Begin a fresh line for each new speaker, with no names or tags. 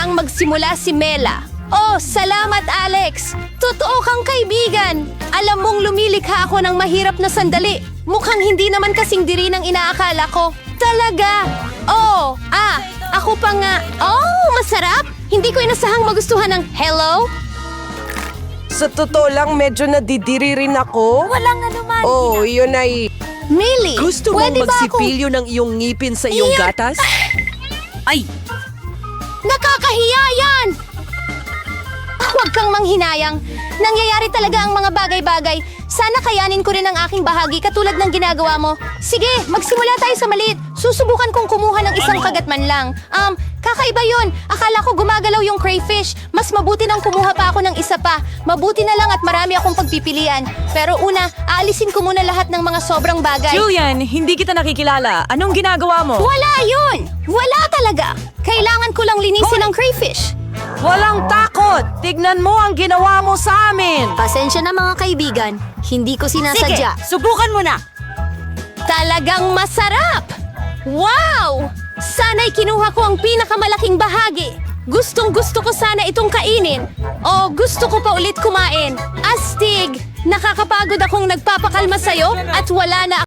nang magsimula si Mela. Oh, salamat Alex! Totoo kang kaibigan! Alam mong lumilikha ako ng mahirap na sandali. Mukhang hindi naman kasing diri ng inaakala ko. Talaga! Oh, ako pa nga. Oh, masarap! Hindi ko inasahang magustuhan ng hello?
Sa totoo lang, medyo nadidiri rin ako.
Walang anuman.
Oh, yun ay...
Millie,
Gusto mong
pwede ba ako...
magsipilyo ng iyong ngipin sa iyong
Iyan!
gatas? Ay!
Nakakahiya yan! Huwag kang manghinayang. Nangyayari talaga ang mga bagay-bagay. Sana kayanin ko rin ang aking bahagi katulad ng ginagawa mo. Sige, magsimula tayo sa maliit. Susubukan kong kumuha ng isang kagat man lang. Kakaiba yun. Akala ko gumagalaw yung crayfish. Mas mabuti nang kumuha pa ako ng isa pa. Mabuti na lang at marami akong pagpipilian. Pero una, aalisin ko muna lahat ng mga sobrang bagay.
Julian, hindi kita nakikilala. Anong ginagawa mo?
Wala yun! Wala talaga! Kailangan ko lang linisin ang crayfish.
Walang takot! Tignan mo ang ginawa mo sa amin!
Pasensya na mga kaibigan. Hindi ko sinasadya.
Subukan mo na!
Talagang masarap! Wow! Sana'y kinuha ko ang pinakamalaking bahagi. Gustong-gusto ko sana itong kainin. O gusto ko pa ulit kumain. Astig! Nakakapagod akong nagpapakalma sa'yo at wala na